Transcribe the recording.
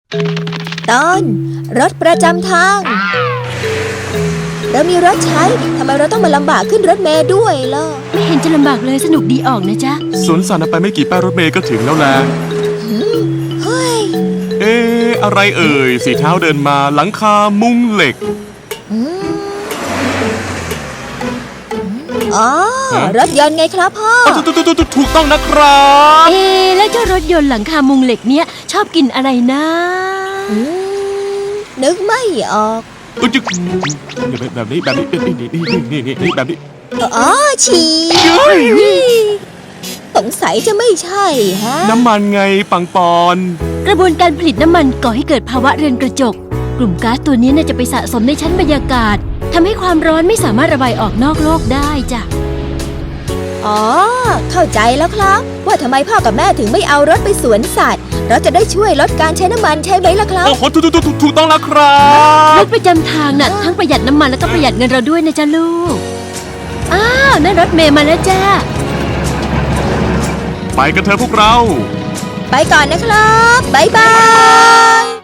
ตอนรถประจำทาง เรามีรถใช้ทำไมเราต้องมาลำบากขึ้นรถเมล์ด้วยล่ะไม่เห็นจะลำบากเลยสนุกดีออกนะจ๊ะสวนสัตว์ไปไม่กี่ป้ายรถเมล์ก็ถึงแล้วแหละเฮ้ยอะไรเอ่ยสีเท้าเดินมาหลังคามุงเหล็กอ๋อ รถยนต์ไงครับพ่อถูกต้องนะครับแล้วเจ้ารถยนต์หลังคามุงเหล็กเนี้ยชอบกินอะไรนะนึกไม่ออกจึ๊กแบบนี้นี่แบบนี้อ๋อฉี่สงสัยจะไม่ใช่ฮะน้ำมันไงปังปอนกระบวนการผลิตน้ำมันก่อให้เกิดภาวะเรือนกระจก กลุ่มก๊าซตัวนี้น่าจะไปสะสมในชั้นบรรยากาศทำให้ความร้อนไม่สามารถระบายออกนอกโลกได้จ้ะอ๋อ เข้าใจแล้วครับ ว่าทำไมพ่อกับแม่ถึงไม่เอารถไปสวนสัตว์ เราจะได้ช่วยลดการใช้น้ำมันใช่ไหมล่ะครับโอ้โหถูกต้องแล้วครัรบถประจำทางน่ะทั้งประหยัดน้ำมันแล้วก็ประหยัดเงินเราด้วยนะจ๊ะลูก อ้าวนั่นรถเมย์มาแล้วจ้าไปกันเถอะพวกเราไปก่อนนะครับ บ๊ายบาย